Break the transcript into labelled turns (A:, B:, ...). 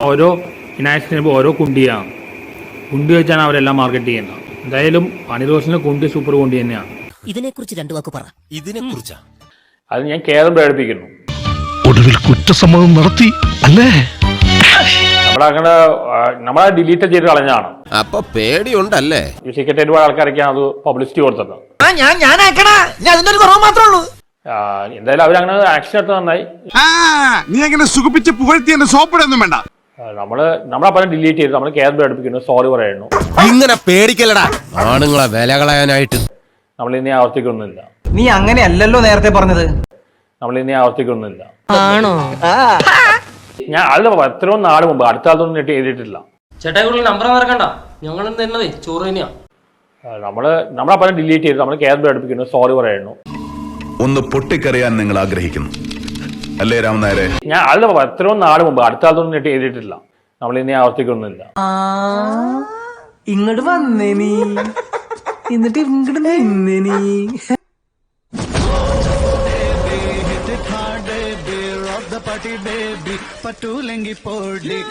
A: ഓരോ ഫിനാൻസിന് ഓരോ കുണ്ടിയാണ്. കുണ്ടി വെച്ചാണ് അവരെല്ലാം മാർക്കറ്റ് ചെയ്യുന്നത്. എന്തായാലും അണിറോഷന് കുണ്ടി സൂപ്പർ കുണ്ടി തന്നെയാണ്.
B: ഇതിനെക്കുറിച്ച് രണ്ടു വാക്ക് പറ.
C: ഇതിനെക്കുറിച്ചാ
A: അത് ഞാൻ കേരളം പ്രകടിപ്പിക്കുന്നു.
D: ഒടുവിൽ കുറ്റസമ്മതം നടത്തി അല്ലേ?
A: നമ്മളെ ഡിലീറ്റ് ചെയ്ത് കളഞ്ഞാണ്.
C: അപ്പൊ പേടിയുണ്ടല്ലേ?
A: ഈ സെക്രട്ടേറിയറ്റ് ആൾക്കാരൊക്കെയാണ് അത് പബ്ലിസിറ്റി കൊടുത്തത്. എന്തായാലും അവരങ്ങനെ ആക്ഷൻ എടുത്ത് നന്നായി.
E: നീ അങ്ങനെ സുഖിപ്പിച്ച് പുകഴ്ത്തി എന്നെ സോപ്പിടൊന്നും വേണ്ട.
A: നമ്മളപ്പം ഡിലീറ്റ് ചെയ്ത് നമ്മൾ കേരളം പ്രകടിപ്പിക്കുന്നു, സോറി പറയുന്നു.
C: ഇങ്ങനെ പേടിക്കലടാ ആണുങ്ങളെ വില കളയാനായിട്ട്.
A: നമ്മളിനി ആവർത്തിക്കൊന്നുമില്ല.
F: നീ അങ്ങനെയല്ലല്ലോ നേരത്തെ പറഞ്ഞത്.
A: നമ്മളിനി ആവർത്തിക്കൊന്നുമില്ല.
B: ആണോ?
A: ഞാൻ അത് എത്രയോ നാട് മുമ്പ്, അടുത്ത കാലത്തൊന്നും എഴുതിയിട്ടില്ല.
G: ചേട്ടായി കൂടുതൽ നമ്പർ മറക്കണ്ട, ഞങ്ങൾ തന്നതേ ചോറ് തന്നെയാ.
A: നമ്മളപ്പം ഡിലീറ്റ് ചെയ്ത് നമ്മൾ കേരളം പ്രകടിപ്പിക്കുന്നു, സോറി പറയുന്നു.
H: ഒന്ന് പൊട്ടിക്കറിയാൻ നിങ്ങൾ ആഗ്രഹിക്കുന്നു അല്ലേ രാമനായരെ?
A: ഞാൻ അത് എത്രയോ നാട് മുമ്പ്, അടുത്ത കാലത്തൊന്നും എഴുതിയിട്ടില്ല. നമ്മളിനി ആവർത്തിക്കൊന്നുമില്ല.
F: ഇങ്ങോട്ട് വന്നേ നീ, എന്നിട്ട് ഇങ്ങോട്ട് നിന്നേ നീ.